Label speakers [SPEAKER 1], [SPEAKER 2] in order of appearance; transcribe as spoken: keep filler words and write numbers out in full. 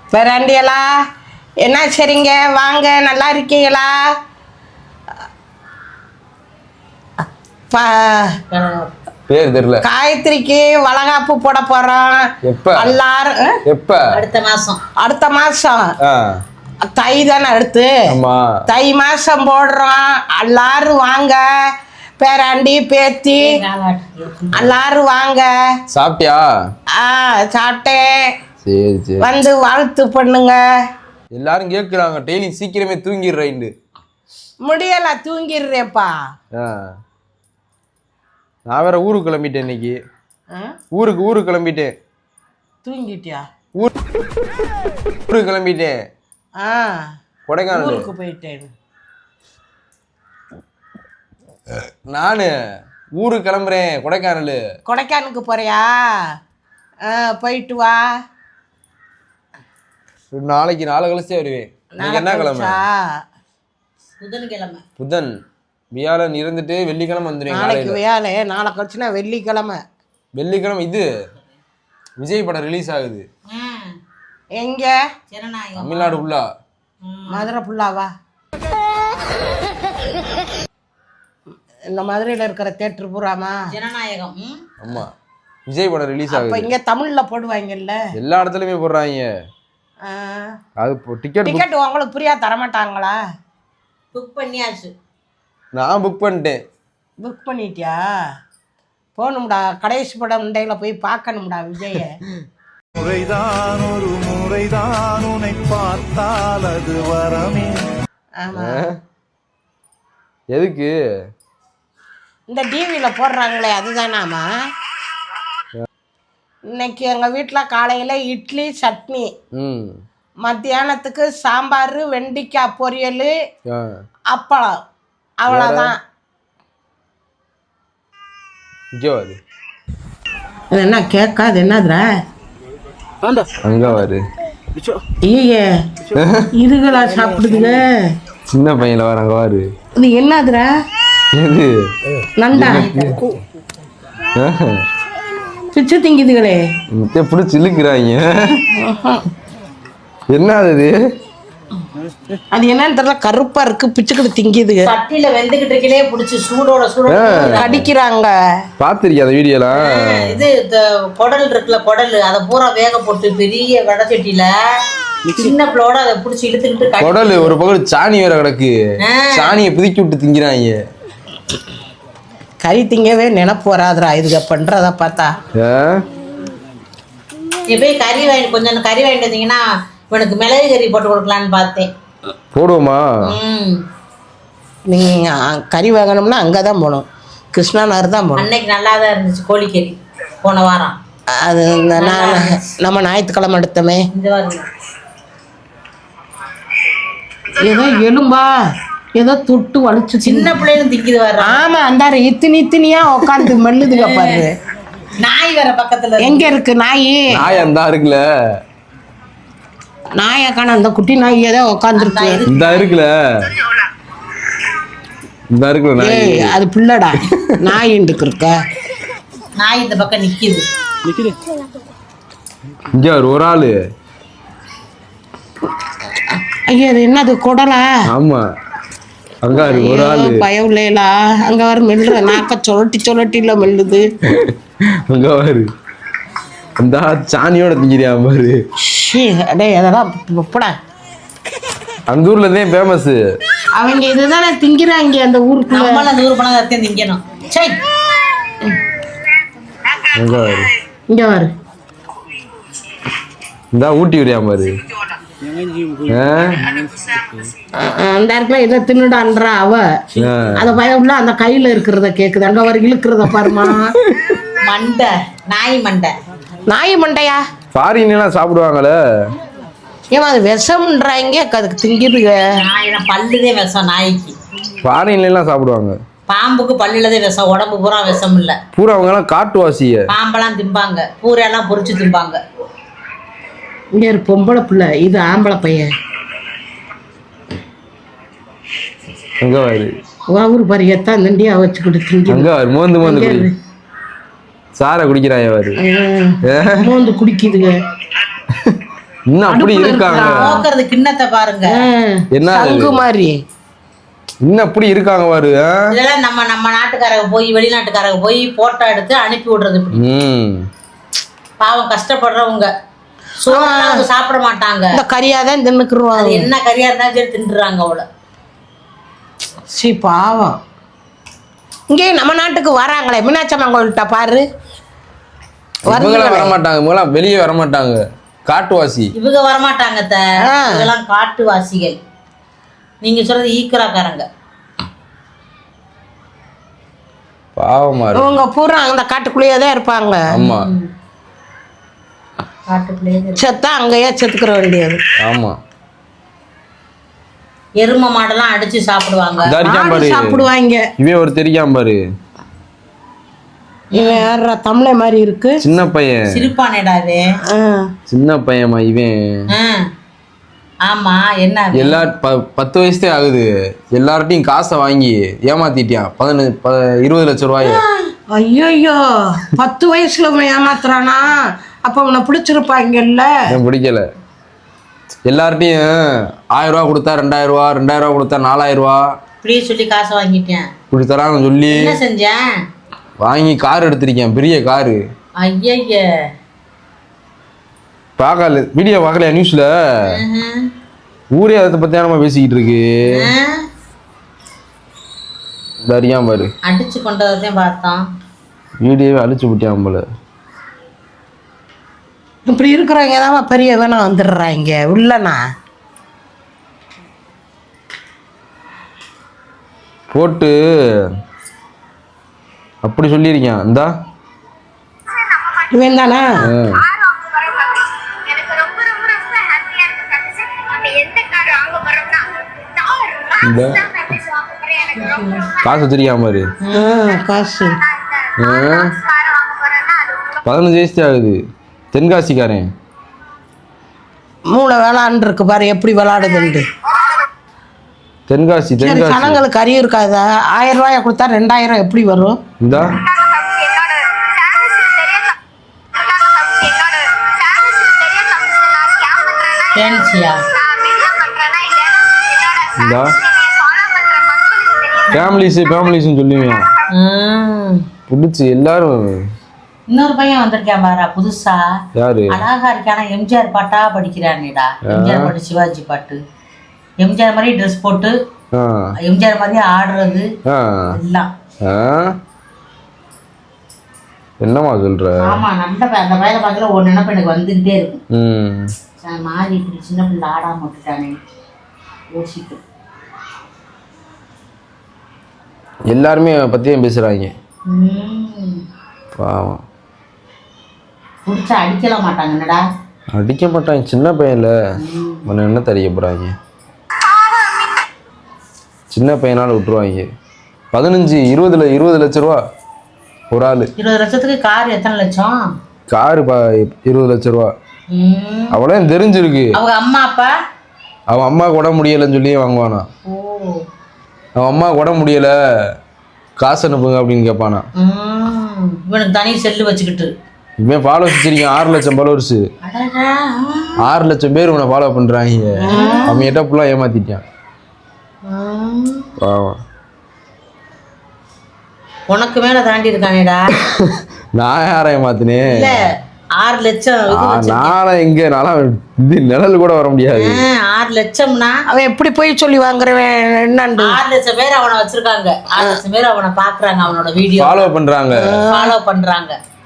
[SPEAKER 1] பேராண்டியலா என்ன சரிங்க வாங்க, நல்லா இருக்கீங்களா?
[SPEAKER 2] பேர் தெரியல.
[SPEAKER 1] காயத்ரிக்கு வளகாப்பு போட போறோம்.
[SPEAKER 2] எப்ப?
[SPEAKER 1] எல்லாரும்
[SPEAKER 2] எப்ப?
[SPEAKER 3] அடுத்த மாசம்.
[SPEAKER 1] அடுத்த மாசம் தை தானே அடுத்து.
[SPEAKER 2] ஆமா,
[SPEAKER 1] தை மாசம் போடுறோம். எல்லாரும் வாங்க, பேராண்டி பேத்தி எல்லாரும் வாங்க.
[SPEAKER 2] சாப்பிட்டியா?
[SPEAKER 1] ஆ சாப்பிட்டேன்.
[SPEAKER 2] சரி சரி,
[SPEAKER 1] வந்து வாழ்த்து பண்ணுங்க.
[SPEAKER 2] எல்லாரும் கேட்குறாங்க டெய்லி சீக்கிரமே தூங்கிடுறேன்.
[SPEAKER 1] முடியல, தூங்கிடுறேப்பா.
[SPEAKER 2] நான் வேற ஊருக்கு கிளம்பிட்டேன் இன்னைக்கு. ஊருக்கு ஊருக்கு கிளம்பிட்டேன்.
[SPEAKER 1] தூங்கிட்டியா?
[SPEAKER 2] ஊர் ஊருக்கு கிளம்பிட்டேன்.
[SPEAKER 1] ஆ
[SPEAKER 2] கொடைக்கானல்
[SPEAKER 1] ஊருக்கு போயிட்டேன்.
[SPEAKER 2] நானு ஊருக்கு கிளம்புறேன். கொடைக்கானல்.
[SPEAKER 1] கொடைக்கானலுக்கு போறியா? ஆ போயிட்டு வா.
[SPEAKER 2] நாளைக்கு நாளை கழிச்சே வருவேன். இன்னைக்கு என்ன கிழமை?
[SPEAKER 3] புதன்கிழமை.
[SPEAKER 2] புதன் வியாழன் இருந்துட்டு வெள்ளிக்கிழமை வந்துடுவேன்.
[SPEAKER 1] நாளைக்கு வியாழ, நாளை கழிச்சுனா வெள்ளிக்கிழமை.
[SPEAKER 2] வெள்ளிக்கிழமை இது விஜய் படம் ரிலீஸ் ஆகுது.
[SPEAKER 1] எங்க?
[SPEAKER 2] தமிழ்நாடு ஃபுல்லா.
[SPEAKER 1] மதுரை ஃபுல்லாவா? இந்த மதுரையில் இருக்கிற தேட்டர் பூராமா?
[SPEAKER 3] ஜனநாயகம்.
[SPEAKER 2] ஆமா, விஜய் படம் ரிலீஸ் ஆகுது.
[SPEAKER 1] அப்ப இங்க தமிழ்ல போடுவாங்கல்ல?
[SPEAKER 2] எல்லா இடத்துலயுமே போடுறாங்க. அது டிக்கெட்
[SPEAKER 1] டிக்கெட் உங்களுக்கு ஃப்ரீயா தர மாட்டாங்களா?
[SPEAKER 3] புக் பண்ணியாச்சு.
[SPEAKER 2] நான் புக் பண்ணிட்டேன்.
[SPEAKER 1] புக் பண்ணிட்டியா? போகணும்டா, கடைசி படம் முண்டையில போய் பார்க்கணும்டா விஜய.
[SPEAKER 4] முறைதான் ஒரு முறைதான் உன்னை பார்த்தால் அது வரமே.
[SPEAKER 1] ஆமா,
[SPEAKER 2] எதுக்கு?
[SPEAKER 1] இந்த டிவியில போடுறாங்களே அதுதானாமா? இன்னைக்கு எங்கள் வீட்டில் காலையில் இட்லி சட்னி, மத்தியானத்துக்கு சாம்பார், வெண்டிக்காய் பொரியல், அப்பளம், அவ்வளோதான். இது என்ன கேட்காது? என்னதுரா
[SPEAKER 2] அங்க வாரு.
[SPEAKER 1] ஐயே, இதுகளா சாப்பிடுதுங்க?
[SPEAKER 2] சின்ன பையன்ல வர அங்க வாரு.
[SPEAKER 1] இது என்னதுரா?
[SPEAKER 2] எது?
[SPEAKER 1] நண்டா பிச்சு திங்குதுகளே.
[SPEAKER 2] பிடிச்சி இழுக்கிறாங்க. என்ன அது?
[SPEAKER 1] அது என்னன்னு தெரியல, கருப்பா இருக்கு, பிச்சுக்கிட்டு திங்குதுங்க.
[SPEAKER 3] சட்டியில வெந்துகிட்டு இருக்கலே புடிச்சு சூடோட சூட
[SPEAKER 1] அடிக்கிறாங்க.
[SPEAKER 2] பாத்திருக்கியா அந்த வீடியோலாம்?
[SPEAKER 3] இது குடல் இருக்குல்ல, குடல் அதை பூரா வேக போட்டு பெரிய வடை சட்டியில சின்ன பிள்ளோட அதை புடிச்சு இழுத்துக்கிட்டு
[SPEAKER 2] குடல் ஒரு பக்கம் சாணி வேற கிடக்கு, சாணியை புதுக்கி விட்டு திங்கிறாங்க.
[SPEAKER 1] கறி திங்கவே நினைப்பு வராதுரா இதுக பண்றத பார்த்தா.
[SPEAKER 3] போய் கறி வாங்கி கொஞ்சம் கறி வாங்கிட்டு வந்தீங்கன்னா இவனுக்கு மிளகு கறி போட்டு கொடுக்கலான்னு பார்த்தேன்.
[SPEAKER 2] போடுவோமா?
[SPEAKER 1] நீங்க கறி வாங்கணும்னா அங்கதான் போகணும், கிருஷ்ணா நகர் தான் போகணும்.
[SPEAKER 3] அன்னைக்கு நல்லா தான் இருந்துச்சு கோழிக்கறி போன வாரம்.
[SPEAKER 1] அது நம்ம ஞாயிற்றுக்கிழமை எடுத்தோமே. ஏதோ எலும்பா ஏதோ தொட்டு வலிச்சு
[SPEAKER 3] சின்ன பிள்ளைகளும் திக்குது வர.
[SPEAKER 1] ஆமா, அந்த இத்தினி இத்தினியா உட்காந்து மெல்லுதுங்க பாரு.
[SPEAKER 3] நாய் வேற பக்கத்துல.
[SPEAKER 1] எங்க இருக்கு நாய்?
[SPEAKER 2] நாய் அந்த இருக்குல்ல,
[SPEAKER 1] நாயக்கான அந்த குட்டி நாய் ஏதோ உட்காந்துருக்கு.
[SPEAKER 2] இந்த இருக்குல்ல, இந்த இருக்குல்ல நாய்.
[SPEAKER 1] அது பிள்ளடா, நாய் இருக்க.
[SPEAKER 3] நாய் இந்த பக்கம் நிக்குது.
[SPEAKER 2] இங்க ஒரு ஆளு.
[SPEAKER 1] ஐயா, அது என்னது குடலா?
[SPEAKER 2] ஆமா, அங்க ஒரு ஆளு.
[SPEAKER 1] பயம் இல்லையா? அங்க வர மெல்லுற நாக்க சொலட்டி சொலட்டில மெல்லுது.
[SPEAKER 2] அங்க வாரு, அந்த சாணியோட திங்கிறியா பாரு.
[SPEAKER 1] அடே அதெல்லாம் போடா.
[SPEAKER 2] அந்த ஊர்ல தான் ஃபேமஸ்.
[SPEAKER 1] அவங்க இதுதானே திங்கிறாங்க அந்த ஊருக்கு.
[SPEAKER 3] நம்மள அந்த ஊர் போனா தான் திங்கணும். சை,
[SPEAKER 2] அங்க வாரு,
[SPEAKER 1] இங்க வாரு.
[SPEAKER 2] இந்த ஊட்டி விரியா பாரு.
[SPEAKER 1] அந்த இடத்துல இதை தின்னுடான்றா அவ. அத பயம் உள்ள அந்த கையில இருக்கிறத கேக்குது. அங்க வர இழுக்கிறத பாருமா.
[SPEAKER 3] மண்டை, நாய் மண்டை.
[SPEAKER 1] நாய் மண்டையா?
[SPEAKER 2] ஃபாரின் எல்லாம் சாப்பிடுவாங்கல்ல.
[SPEAKER 1] ஏமா அது விஷம்ன்றாங்க, அதுக்கு திங்கிதுங்க.
[SPEAKER 3] நாயினா பல்லுதே விஷம் நாய்க்கு.
[SPEAKER 2] ஃபாரின்ல எல்லாம் சாப்பிடுவாங்க.
[SPEAKER 3] பாம்புக்கு பல்லுலதே விஷம், உடம்பு பூரா விஷம் இல்ல.
[SPEAKER 2] பூரா அவங்க எல்லாம் காட்டுவாசிய.
[SPEAKER 3] பாம்பெல்லாம் திம்பாங்க, பூரை எல்லாம் பொரிச்சு திம்பாங்க.
[SPEAKER 1] இங்க ஒரு பொம்பளை பிள்ளை, இது ஆம்பளை பையன்.
[SPEAKER 2] அங்க வாரு,
[SPEAKER 1] ஊரு பாரு எத்தான் தண்டியா வச்சுக்கிட்டு திங்க.
[SPEAKER 2] அங்க வாரு, மோந்து மோந்து சாரை குடிக்கிறாங்க வாரு.
[SPEAKER 1] மோந்து குடிக்குதுங்க.
[SPEAKER 2] இன்னும் அப்படி இருக்காங்க.
[SPEAKER 3] நோக்கிறது கிண்ணத்தை பாருங்க.
[SPEAKER 2] என்ன
[SPEAKER 1] சங்கு மாதிரி
[SPEAKER 2] இன்னும் அப்படி இருக்காங்க பாரு.
[SPEAKER 3] இதெல்லாம் நம்ம நம்ம நாட்டுக்காரங்க போய் வெளிநாட்டுக்காரங்க போய் போட்டோ எடுத்து அனுப்பி விடுறது. பாவம் கஷ்டப்படுறவங்க சோறு சாப்பிட மாட்டாங்க.
[SPEAKER 1] இந்த கறியாதான் தின்னுக்குருவாங்க.
[SPEAKER 3] என்ன கறியா இருந்தாலும் சரி தின்றுறாங்க அவளை.
[SPEAKER 1] சி பாவம். இங்கே நம்ம நாட்டுக்கு வராங்களே மீனாட்சம்மன் கோயில்கிட்ட பாரு.
[SPEAKER 2] இவங்களாம் வரமாட்டாங்க, இவங்களாம் வெளியே வரமாட்டாங்க. காட்டுவாசி
[SPEAKER 3] இவங்க வரமாட்டாங்க. இதெல்லாம் காட்டுவாசிகள். நீங்க சொல்றது ஈக்கராக்காரங்க.
[SPEAKER 2] பாவமா
[SPEAKER 1] இவங்க பூரா அந்த காட்டுக்குள்ளேயே தான் இருப்பாங்க.
[SPEAKER 2] ஆமா,
[SPEAKER 3] காட்டுக்குள்ளேயே
[SPEAKER 1] செத்தா அங்கேயே செத்துக்கிற வேண்டியது.
[SPEAKER 2] ஆமா.
[SPEAKER 3] எரும மாடெல்லாம் அடிச்சு சாப்பிடுவாங்க.
[SPEAKER 1] சாப்பிடுவாங்க.
[SPEAKER 2] இவன் ஒரு தெரியாம பாரு.
[SPEAKER 1] இவன் யாரா தமிழை மாதிரி இருக்கு.
[SPEAKER 2] சின்ன பையன்
[SPEAKER 3] சிரிப்பானேடாவே.
[SPEAKER 2] சின்ன பையன்மா இவன்.
[SPEAKER 3] ஆமா என்ன
[SPEAKER 2] எல்லா பத்து வயசுதே ஆகுது. எல்லார்ட்டையும் காசை வாங்கி ஏமாத்திட்டியான். பதினஞ்சு இருபது லட்சம் ரூபாய்.
[SPEAKER 1] ஐயோ பத்து வயசுல அவன் ஏமாத்துறானா? அப்ப அவனை பிடிச்சிருப்பாங்கல்ல.
[SPEAKER 2] பிடிக்கல. எல்லார்ட்டையும் ஆயிரம் ரூபா கொடுத்தா ரெண்டாயிரம் ரூபா, ரெண்டாயிரம் ரூபா கொடுத்தா நாலாயிரம் ரூபா
[SPEAKER 3] இப்படியே சொல்லி காசை வாங்கிட்டேன்.
[SPEAKER 2] இப்படி தராங்க சொல்லி
[SPEAKER 3] என்ன செஞ்சேன்?
[SPEAKER 2] வாங்கி கார் எடுத்திருக்கேன், பெரிய காரு.
[SPEAKER 3] ஐய
[SPEAKER 2] பார்க்கல வீடியோ பார்க்கலையா நியூஸ்ல? ஊரே அதை பத்தி நம்ம பேசிக்கிட்டு இருக்கு. தரியாம பாரு.
[SPEAKER 3] அடிச்சு கொண்டதையும் பார்த்தோம்.
[SPEAKER 2] வீடியோவே அழிச்சு விட்டியான் போல.
[SPEAKER 1] இப்படி இருக்கிறவங்க தான் பெரிய வேணா வந்துடுறாங்க உள்ளனா.
[SPEAKER 2] போட்டு அப்படி சொல்லியிருக்கேன். இந்தா
[SPEAKER 1] இவன் தானா?
[SPEAKER 2] காசு வச்சிருக்கான் பாரு.
[SPEAKER 1] காசு
[SPEAKER 2] பதினஞ்சு வயசு ஆகுது. தென்காசிக்காரன்.
[SPEAKER 1] மூளை விளாண்டு இருக்கு பாரு எப்படி விளாடுதுண்டு.
[SPEAKER 2] தென்காசி தென்காசி.
[SPEAKER 1] ஜனங்களுக்கு அறிவு இருக்காதா? ஆயிரம் ரூபாய் கொடுத்தா ரெண்டாயிரம் எப்படி வரும்?
[SPEAKER 2] இந்தா இந்தா ஃபேமிலிஸ் ஃபேமிலிஸ் சொல்லுவேன். பிடிச்சி எல்லாரும்.
[SPEAKER 3] இன்னொரு பையன் வந்திருக்கேன் பாரா புதுசா.
[SPEAKER 2] யாரு?
[SPEAKER 3] அழகா இருக்கானா? எம்ஜிஆர் பாட்டா படிக்கிறானேடா. எம்ஜிஆர் பாட்டு, சிவாஜி பாட்டு. எம்ஜிஆர் மாதிரி ட்ரெஸ் போட்டு எம்ஜிஆர் மாதிரி ஆடுறது எல்லாம்.
[SPEAKER 2] என்னமா சொல்ற?
[SPEAKER 3] ஆமா நல்ல அந்த பையனை பார்க்கல ஒரு நினைப்பு எனக்கு வந்துகிட்டே இருக்கும். மாறி இப்படி சின்ன பிள்ளை ஆடாம விட்டுட்டானே யோசிட்டு.
[SPEAKER 2] எல்லாருமே பத்தியும் பேசுறாங்க. பாவம்.
[SPEAKER 3] புடிச்சா அடிக்கல மாட்டாங்க. என்னடா
[SPEAKER 2] அடிக்க மாட்டாங்க, சின்ன பையன்ல. உன்னை என்ன தெரிய போறாங்க? சின்ன பையனால விட்டுருவாங்க. பதினஞ்சு இருபதுல இருபது லட்சம் ரூபா ஒரு ஆளு.
[SPEAKER 3] இருபது லட்சத்துக்கு கார் எத்தனை லட்சம்?
[SPEAKER 2] காரு இருபது லட்சம் ரூபா. அவளே தெரிஞ்சிருக்கு.
[SPEAKER 3] அவங்க அம்மா அப்பா
[SPEAKER 2] அவன் அம்மா கூட முடியலன்னு சொல்லி வாங்குவானா. அவன் அம்மா கூட முடியல காசு அனுப்புங்க அப்படின்னு கேட்பானா.
[SPEAKER 3] இவனுக்கு தனி செல்லு வச்சுக்கிட்டு
[SPEAKER 2] இவன் ஃபாலோவர்ஸ் வச்சிருக்கான். ஆறு லட்சம் ஃபாலோவர்ஸ். ஆறு லட்சம் பேர் இவனை ஃபாலோ பண்றாங்க. அவன் எட்ட ஃபுல்லா ஏமாத்திட்டான்.
[SPEAKER 3] உனக்கு மேல தாண்டி இருக்கானேடா.
[SPEAKER 2] நான் யாரை ஏமாத்தினேன்?
[SPEAKER 3] ஆறு லட்சம்
[SPEAKER 2] நாளை எங்க நாளா இது நிழல் கூட வர முடியாது.
[SPEAKER 3] ஆறு லட்சம்னா
[SPEAKER 1] அவன் எப்படி போய் சொல்லி வாங்குறவன்? என்னண்டு
[SPEAKER 3] ஆறு லட்சம் பேர் அவனை வச்சிருக்காங்க. ஆறு லட்சம் பேர் அவனை பாக்குறாங்க. அவனோட வீடியோ
[SPEAKER 2] ஃபாலோ பண்றாங்க
[SPEAKER 3] ஃபாலோ பண்றாங்க.